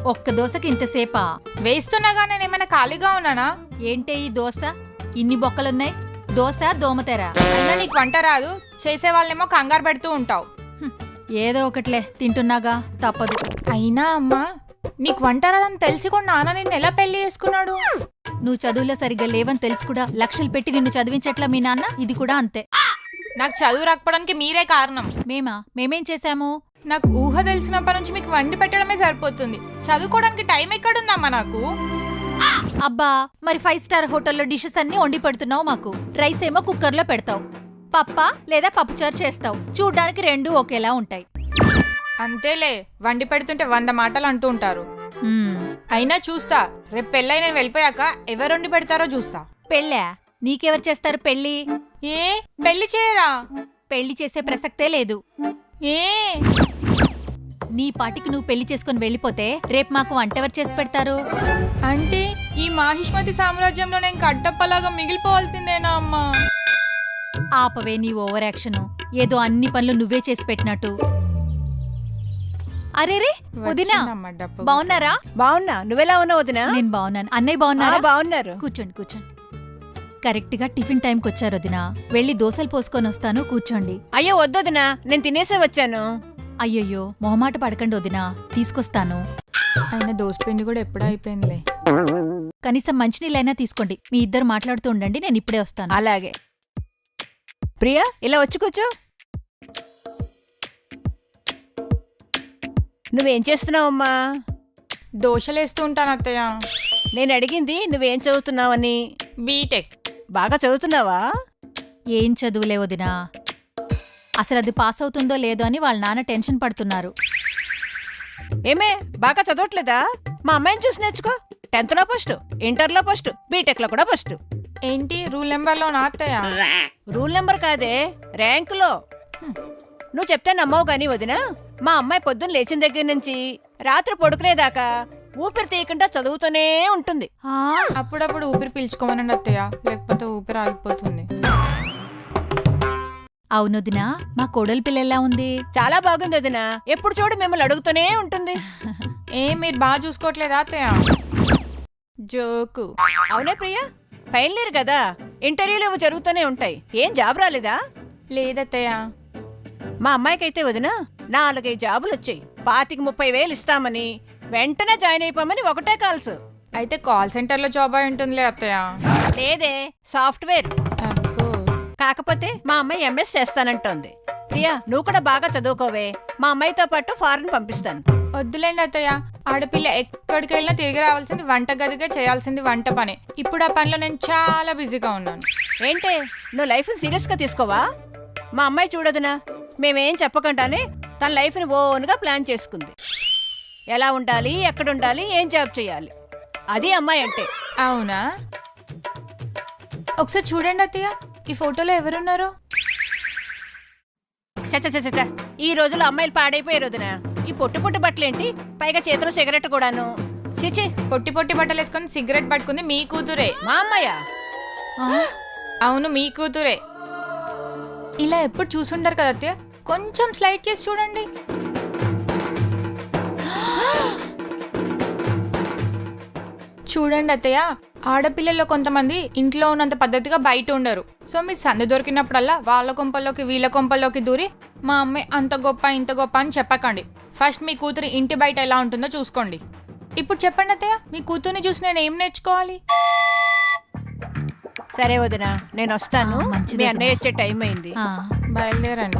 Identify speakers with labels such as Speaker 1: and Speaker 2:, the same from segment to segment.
Speaker 1: ఒక్క దోశకి ఇంతసేపా?
Speaker 2: వేస్తున్నాగా నేనేమైనా ఖాళీగా ఉన్నానా?
Speaker 1: ఏంటే ఈ దోశ? ఇన్ని బొక్కలున్నాయి. దోశ దోమతెర.
Speaker 2: అయినా నీకు వంట రాదు, చేసే వాళ్ళేమో కంగారు పెడుతూ ఉంటావు.
Speaker 1: ఏదో ఒకట్లే, తింటున్నాగా, తప్పదు.
Speaker 2: అయినా అమ్మా, నీకు వంట రాదని తెలిసి కూడా నాన్న నిన్ను ఎలా పెళ్లి చేసుకున్నాడు?
Speaker 1: నువ్వు చదువులో సరిగ్గా లేవని తెలిసి కూడా లక్షలు పెట్టి నిన్ను చదివించట్లా మీ నాన్న. ఇది కూడా అంతే.
Speaker 2: నాకు చదువు రాకపోవడానికి మీరే కారణం.
Speaker 1: మేమేం చేశాము?
Speaker 2: నాకు ఊహ తెలిసినప్పటి నుంచి మీకు వండి పెట్టడమే సరిపోతుంది. చదువుకోవడానికి టైం ఎక్కడుందమ్మా నాకు?
Speaker 1: అబ్బా, మరి 5 స్టార్ హోటల్లో డిషెస్ అన్ని వండి పెడుతున్నావు మాకు. రైస్ ఏమో కుక్కర్లో పెడతావు, పప్ప లేదా పప్పుచారు చేస్తావు. చూడ్డానికి రెండూ ఒకేలా ఉంటాయి.
Speaker 2: అంతేలే, వండి పెడుతుంటే 100 మాటలు అంటూ ఉంటారు. అయినా చూస్తా, రేపు పెళ్ళై నేను వెళ్ళిపోయాక ఎవరు వండి పెడతారో చూస్తా.
Speaker 1: పెళ్ళా? నీకెవరు చేస్తారు పెళ్ళి?
Speaker 2: ఏ పెళ్లి చేయరా?
Speaker 1: పెళ్లి చేసే ప్రసక్తే లేదు.
Speaker 2: ఏ
Speaker 1: నీ పాటికి నువ్వు పెళ్లి చేసుకుని వెళ్ళిపోతే రేపు మాకు వంటెవరు చేసి పెడతారు?
Speaker 2: అంటే ఈ మాహిష్మతి సామ్రాజ్యంలో నేను కట్టప్పలాగా మిగిలిపోవాల్సిందేనా అమ్మా?
Speaker 1: ఆపవే నీ ఓవర్ యాక్షన్. ఏదో అన్ని పనులు నువ్వే చేసి పెట్టినట్టు. అరేరే వదినా, బాగున్నారా?
Speaker 3: బాగున్నా. నువ్వెలా ఉన్నావు వదినా?
Speaker 1: నేను బాగున్నాను. అన్నయ్య బాగున్నారా?
Speaker 3: బాగున్నారు.
Speaker 1: కూర్చోండి. కరెక్ట్ గా టిఫిన్ టైంకి వచ్చారు వదినా. వెళ్ళి దోశలు పోసుకొని వస్తాను, కూర్చోండి.
Speaker 3: అయ్యో వద్దొదినా, నేను తినేసే వచ్చాను.
Speaker 1: అయ్యయ్యో, మొహమాట పడకండి వదినా, తీసుకొస్తాను.
Speaker 2: అయినా దోసపిండి కూడా ఎప్పుడూ అయిపోయిందిలే.
Speaker 1: కనీసం మంచినీళ్ళైనా తీసుకోండి. మీ ఇద్దరు మాట్లాడుతూ ఉండండి, నేను ఇప్పుడే వస్తాను.
Speaker 3: అలాగే. ప్రియా, ఇలా వచ్చి కూర్చో. నువ్వేం చేస్తున్నావమ్మా?
Speaker 2: దోశలేస్తూ ఉంటాను అత్తయ్య.
Speaker 3: నేను అడిగింది నువ్వేం చదువుతున్నావని.
Speaker 2: బీటెక్.
Speaker 3: బాగా చదువుతున్నావా?
Speaker 1: ఏం చదువులే వదినా. అసలు అది పాస్ అవుతుందో లేదో అని వాళ్ళ నాన్న టెన్షన్ పడుతున్నారు.
Speaker 3: ఏమే, బాగా చదవట్లేదా? మా అమ్మాయిని చూసి నేర్చుకో. 10th లో ఫస్ట్, ఇంటర్లో ఫస్ట్, బీటెక్ లో కూడా ఫస్ట్.
Speaker 2: ఏంటి రూల్ నెంబర్లో నా అత్తయ్య?
Speaker 3: రూల్ నెంబర్ కాదే, ర్యాంకులో. నువ్వు చెప్తే నమ్మవు గాని వదినా, మా అమ్మాయి పొద్దున్న లేచిన దగ్గర నుంచి రాత్రి పడుకునేదాకా ఊపిరి తీయకుండా చదువుతూనే ఉంటుంది.
Speaker 2: అప్పుడప్పుడు ఊపిరి పీల్చుకోమనండి అత్తయ్య, లేకపోతే ఊపిరి ఆగిపోతుంది.
Speaker 1: అవునొదినా, మా కోడలి పిల్ల ఎలా ఉంది?
Speaker 3: చాలా బాగుంది వదినా. ఎప్పుడు చూడు మిమ్మల్ని అడుగుతూనే ఉంటుంది.
Speaker 2: మీరు బాగా చూసుకోవట్లేదా అత్తయ్య? జోకు.
Speaker 3: అవునే ప్రియా, ఫైనల్ ఇయర్ కదా, ఇంటర్వ్యూలు ఇవి జరుగుతూనే ఉంటాయి. ఏం జాబ్ రాలేదా?
Speaker 2: లేదత్తయ్య.
Speaker 3: మా అమ్మాయికైతే వదినా 4-5 జాబులు వచ్చాయి. 25,000-30,000 ఇస్తామని, వెంటనే జాయిన్ అయిపోమని ఒకటే కాల్స్.
Speaker 2: అయితే కాల్ సెంటర్లో జాబ్ అయి ఉంటుందిలే అత్తయ్య.
Speaker 3: లేదే, సాఫ్ట్వేర్. కాకపోతే మా అమ్మాయి ఎంఎస్ చేస్తానంటోంది. ప్రియా, నువ్వు కూడా బాగా చదువుకోవే. మా అమ్మాయితో పాటు ఫారెన్ పంపిస్తాను.
Speaker 2: వద్దులేండి అత్తయ్య, ఆడపిల్ల ఎక్కడికి వెళ్ళినా తిరిగి రావాల్సింది వంట గదిగా, చేయాల్సింది వంట పని. ఇప్పుడు ఆ పనిలో నేను చాలా బిజీగా ఉన్నాను.
Speaker 3: ఏంటే, నువ్వు లైఫ్ని సీరియస్గా తీసుకోవా? మా అమ్మాయి చూడదునా, మేమేం చెప్పకుండానే తన లైఫ్ని ఓన్గా ప్లాన్ చేసుకుంది. ఎలా ఉండాలి, ఎక్కడుండాలి, ఏం జాబ్ చేయాలి, అది అమ్మాయి అంటే.
Speaker 2: అవునా? ఒకసారి చూడండి అత్తయ్య, ఈ ఫోటోలో ఎవరున్నారు?
Speaker 3: చచ్చ, ఈ రోజుల్లో అమ్మాయిలు పాడైపోయారు వదినా. ఈ పొట్టు బట్టలేంటి, పైగా చేతిలో సిగరెట్ కూడాను. చిచి,
Speaker 2: పొట్టి బట్టలు వేసుకొని సిగరెట్ పట్టుకుంది మీ కూతురే.
Speaker 3: మా అమ్మాయా?
Speaker 2: అవును, మీ కూతురే. ఇలా ఎప్పుడు చూసుంటారు కదా అత్తయ్య, కొంచెం స్లైడ్ చేసి చూడండి. చూడండి అత్తయ్య, ఆడపిల్లల్లో కొంతమంది ఇంట్లో ఉన్నంత పద్ధతిగా బయట ఉండరు. సో మీరు సందు దొరికినప్పుడల్లా వాళ్ళ కొంపల్లోకి వీళ్ళ కొంపల్లోకి దూరి మా అమ్మాయి అంత గొప్ప ఇంత గొప్ప అని చెప్పకండి. ఫస్ట్ మీ కూతురు ఇంటి బయట ఎలా ఉంటుందో చూసుకోండి. ఇప్పుడు చెప్పండి అత్తయ్య, మీ కూతుర్ని చూసి నేను ఏం నేర్చుకోవాలి?
Speaker 3: సరే వదినా, నేను వస్తాను. మీ అన్నయ్య వచ్చే టైం అయింది,
Speaker 2: బయలుదేరండి.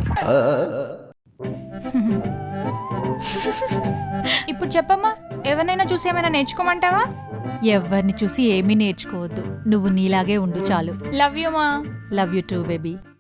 Speaker 2: ఇప్పుడు చెప్పమ్మా, ఎవరినైనా చూసి ఏమైనా నేర్చుకోమంటావా?
Speaker 1: ఎవరిని చూసి ఏమీ నేర్చుకోవద్దు. నువ్వు నీలాగే ఉండు చాలు.
Speaker 2: లవ్ యూ మా.
Speaker 1: Love you too baby.